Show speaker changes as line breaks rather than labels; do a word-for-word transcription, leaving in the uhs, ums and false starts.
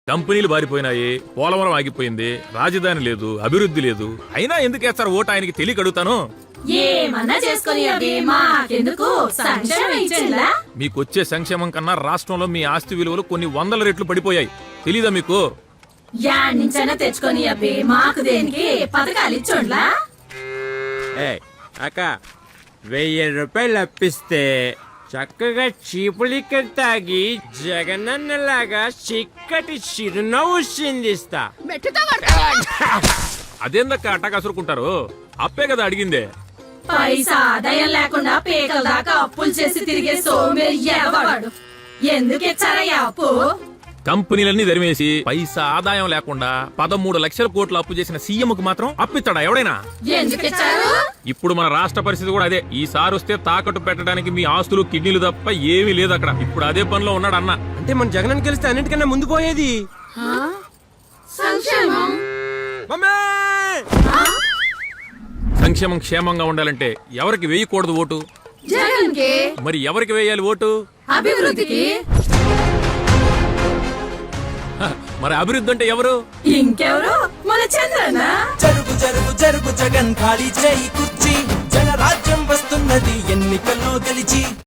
కంపెనీలు బారిపోయినాయి, పోలవరం ఆగిపోయింది, రాజధాని లేదు, అభివృద్ధి లేదు. అయినా ఎందుకు వేస్తారు ఓటు ఆయనకి తెలియక అడుగుతాను.
ఏమన్నా చేసుకుని అవి మాకెందుకు సంక్షేమం ఇచ్చేలా?
మీకొచ్చే సంక్షేమం కన్నా రాష్ట్రంలో మీ ఆస్తి విలువలు కొన్ని వందల రెట్లు పడిపోయాయి. తెలీదా మీకు?
యాడ్నించైనా తెచ్చుకొని అవి మాకు దేనికి పథకాలు ఇచ్చోండ్లా?
అక్క వెయ్యి రూపాయలు అప్పిస్తే చక్కగా చీపులిక్కలు తాగి జగనన్నలాగా చిక్కటి చిరునవ్వు చిందిస్తా.
అదేందక్క అట్టా కసురుకుంటారు? అప్పే కదా అడిగిందే.
పైసా ఆదాయం లేకుండా పేకల దాకా అప్పులు చేసి తిరిగే సోమేరి ఎవడు ఎందుకు ఇచ్చారయ్యా అప్పు?
కంపెనీలన్నీ ధరిమేసి పైసా ఆదాయం లేకుండా పదమూడు లక్షల కోట్లు అప్పు చేసిన సీఎం కు మాత్రం అప్పిస్తాడా ఎవడైనా?
ఎందుకు ఇచ్చారు?
ఇప్పుడు మన రాష్ట్ర పరిస్థితి కూడా అదే. ఈసారి వస్తే తాకట్టు పెట్టడానికి మీ ఆస్తులు కిడ్నీలు తప్ప ఏమీ లేదు అక్కడ. ఇప్పుడు అదే పనిలో ఉన్నాడు అన్న.
అంటే మన జగన్ గెలిస్తే అన్నిటికన్నా ముందు పోయేది
సంక్షేమం.
సంక్షేమం క్షేమంగా ఉండాలంటే ఎవరికి వేయకూడదు ఓటు?
జగన్ కి.
మరి ఎవరికి వేయాలి ఓటు?
అభివృద్ధికి.
మరి అభివృద్ధి అంటే ఎవరు?
ఇంకెవరు? మన చంద్రన్న.
జరుగు జరుగు జరుగు జగన్ ఖాళీ చేయి కుర్చీ, జనరాజ్యం వస్తున్నది ఎన్నికల్లో గెలిచి.